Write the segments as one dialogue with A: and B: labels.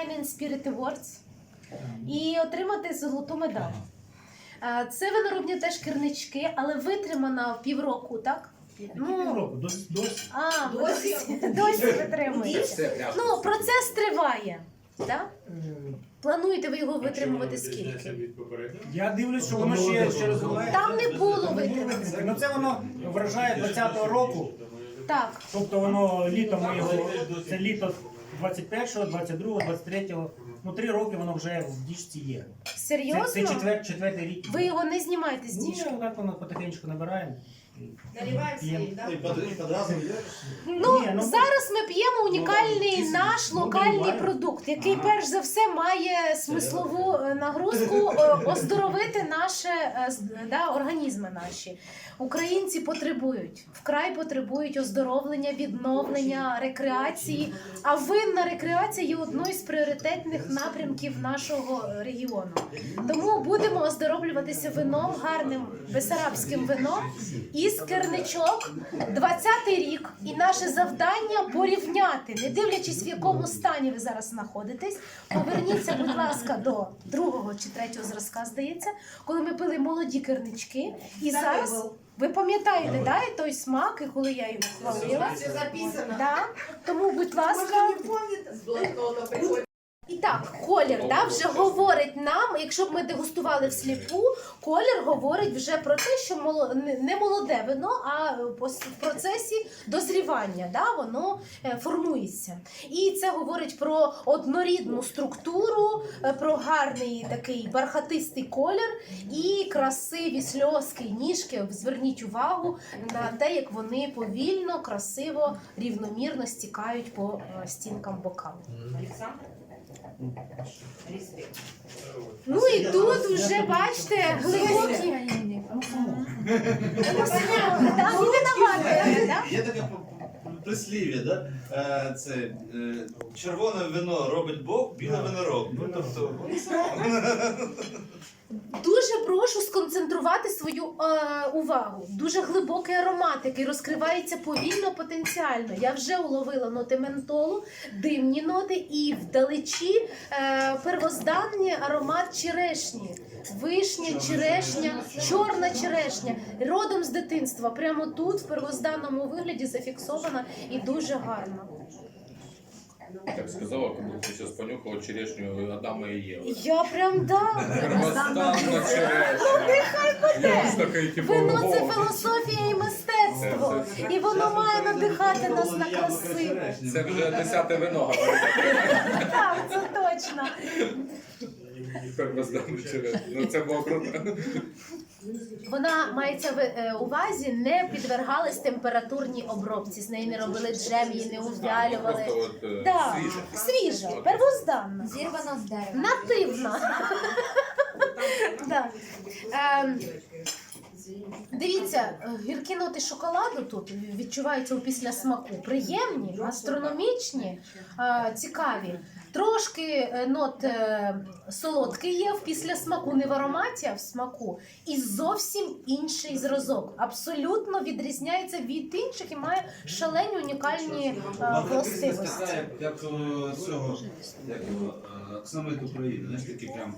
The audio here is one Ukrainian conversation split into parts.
A: Wine and Spirit Awards і отримати золоту медаль. Це виноробні теж кернички, але витримана в півроку, так?
B: Півроку,
A: Досі витримується. Ну, процес триває, так? Плануєте ви його витримувати скільки?
B: Я дивлюсь, що воно ще розвивається.
A: Там не було витримки.
B: Ну це воно вражає 20-го року.
A: Так.
B: Тобто воно літом ми його, це літо 21-го, 22-го, 23-го. Ну 3 роки воно вже в діжці є.
A: Серйозно?
B: Це четвертий рік.
A: Ви його не знімаєте з
B: Ні,
A: діжки?
B: так воно потихеньку набираємо.
C: Наливаем себе, да?
D: И под разом
A: Ну,
B: Ні,
A: зараз ми п'ємо унікальний наш локальний продукт, який перш за все має смислову нагрузку оздоровити наші організми наші. Українці потребують, вкрай потребують оздоровлення, відновлення, рекреації. А винна рекреація є одною з пріоритетних напрямків нашого регіону. Тому будемо оздоровлюватися вином, гарним бесарабським вином із керничок. 20-й рік. І наше завдання порівняти, не дивлячись в якому стані ви зараз знаходитесь. Поверніться, будь ласка, до 2-го чи 3-го зразка, здається, коли ми пили молоді кернички. І зараз... Ви пам'ятаєте, да, і той смак, і коли я його хвалила?
C: Все записано.
A: Да. Тому, будь ласка.
C: Можно не помнит, с блокнота приходит.
A: І так, колір вже говорить нам, якщо б ми дегустували всліпу, колір говорить вже про те, що не молоде вино, а в процесі дозрівання, воно формується. І це говорить про однорідну структуру, про гарний такий бархатистий колір і красиві сльозки, ніжки. Зверніть увагу на те, як вони повільно, красиво, рівномірно стікають по стінкам бокалу.
C: Александр? Респект.
A: Ну і тут вже, бачите, глибокі...
D: Є таке прислів'я, да? Це червоне вино робить Бог, біле вино робить. Ну, тобто...
A: Дуже прошу сконцентрувати свою увагу. Дуже глибокий аромат, який розкривається повільно, потенціально. Я вже уловила ноти ментолу, димні ноти і вдалечі первозданний аромат черешні. Вишня, черешня, чорна черешня. Родом з дитинства. Прямо тут, в первозданному вигляді, зафіксована і дуже гарно.
E: Так сказала, как будто ты сейчас понюхала черешню Адама и Евы.
A: Я прям
E: Первозданна черешня.
A: Вино – це філософія і мистецтво. І воно має надихати нас на красиву.
E: Це вже 10-те вино, говорить.
A: Так, це точно.
E: Первозданна черешня. Ну це було круто.
A: Вона, мається в увазі, не підвергалась температурній обробці. З неї не робили джем, її не увялювали. Да. Свіжа, первозданна.
F: Зірвано з дерева.
A: Нативна. Да. Дивіться, гіркі ноти шоколаду тут відчуваються у післясмаку. Приємні, астрономічні, цікаві. Трошки нот солодкий є в післясмаку, не в ароматі, а в смаку. І зовсім інший зразок. Абсолютно відрізняється від інших і має шалені унікальні властивості.
D: Як цього, оксамит України, знаєш, такі прям...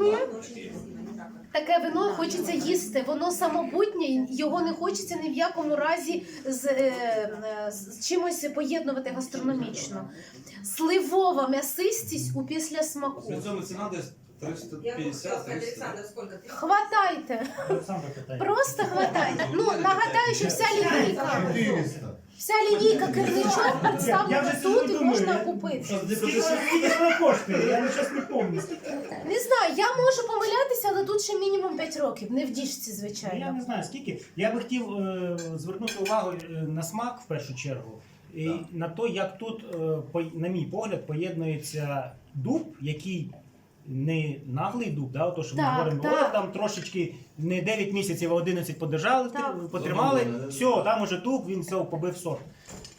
A: Таке вино хочеться їсти, воно самобутнє, його не хочеться ні в якому разі з чимось поєднувати гастрономічно. Сливова м'ясистість у післясмаку.
D: При цьому ціна десь
C: Я хотела сказать,
D: 350-300.
C: Александр, сколько ты?
A: Хватайте, просто хватайте. Ну, нагадаю, що вся лінійка керничок представлена тут і можна купити.
B: Скільки вона коштує? Я зараз не пам'ятаю.
A: Не знаю, я можу помилятися, але тут ще мінімум 5 років, не в діжці,
B: Я
A: звичайно.
B: не знаю скільки. Я би хотів звернути увагу на смак в першу чергу. І на те, як тут, на мій погляд, поєднується дуб, який не наглий дуб, то що ми
A: Так,
B: говоримо,
A: так.
B: там трошечки не 9 місяців, а 11 подержали,
A: Так.
B: потримали, все, там уже дуб, він все побив сорт.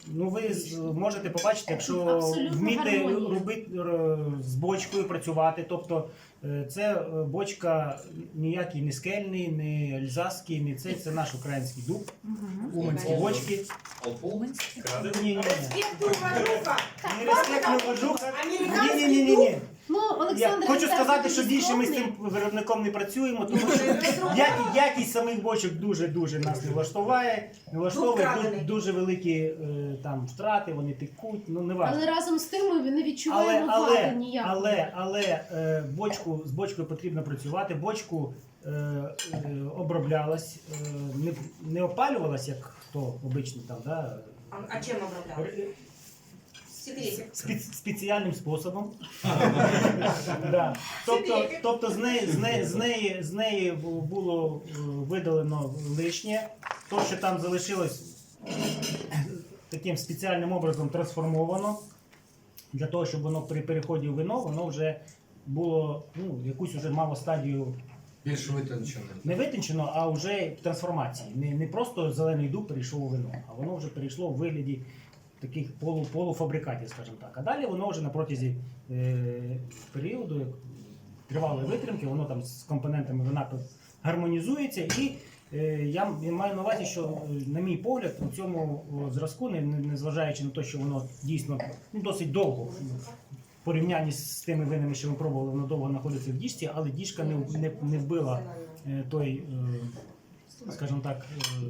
B: Ну, ви можете побачити, якщо
A: Абсолютно
B: вміти
A: гармонія.
B: з бочкою працювати, тобто це бочка ніякий не скельний, не ельзасський, не цей, це наш український дуб, уманські бочки. Ні. Не респектна вожуха. Ні.
A: Ну, Олександр,
B: Хочу
A: Олександр
B: сказати, що
A: такий
B: більше ми з
A: скромний.
B: цим виробником не працюємо, тому що якість самих бочок дуже нас не влаштовує. Тут дуже великі там втрати, вони текуть, ну не важливо.
A: Але разом з тим ми не відчуваємо вади ніякої.
B: Але з бочкою потрібно працювати. Бочку оброблялась, не опалювалась, як хто обичний там, да?
C: А чем оброблял? Секретик.
B: Спеціальним способом. Да. Тобто з неї було видалено лишнє. То, що там залишилось, таким спеціальним образом трансформовано. Для того, щоб воно при переході в вино, воно вже було, якусь вже мало стадію
F: Більш витончене.
B: не витончено, а вже трансформації. Не просто зелений дуб перейшов у вино, а воно вже перейшло в вигляді таких полуфабрикатів, скажімо так. А далі воно вже на протязі періоду тривалої витримки, воно там з компонентами вина гармонізується. І я маю на увазі, що, на мій погляд, у цьому зразку, незважаючи на те, що воно дійсно досить довго, в порівнянні з тими винами, що ми пробували, воно довго знаходиться в діжці, але діжка не вбила той, скажімо так,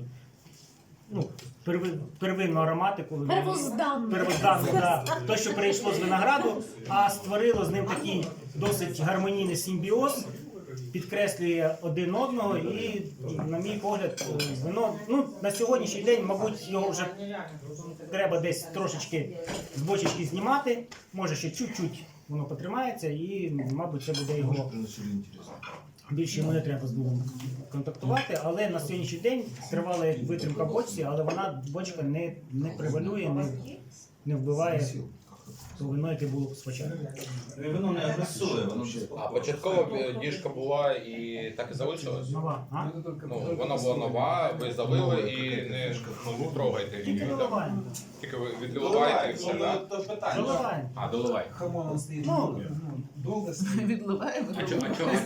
B: первинну ароматику. Первозданну, да. Те, що перейшло з винограду, а створило з ним такий досить гармонійний симбіоз, підкреслює один одного і, на мій погляд, вино, на сьогоднішній день, мабуть, його вже треба десь трошечки з бочечки знімати, може ще чуть-чуть воно потримається і, мабуть, це буде його більше йому не треба з дубом контактувати, але на сьогоднішній день тривала витримка бочці, але бочка не превалює, не вбиває то вино, яке було спочатку.
D: Воно не агресує, воно ж
E: А початкова діжка була і так і залишилась?
B: Нова, а?
E: Ну, вона була нова, ви залили і не трогайте її.
B: Тільки доливаємо.
E: Тільки ви відливаєте і все,
D: Воно
E: так?
D: то питання.
B: Доливаємо.
E: А, доливай.
B: Ну,
F: Довго стоїть.
E: А чого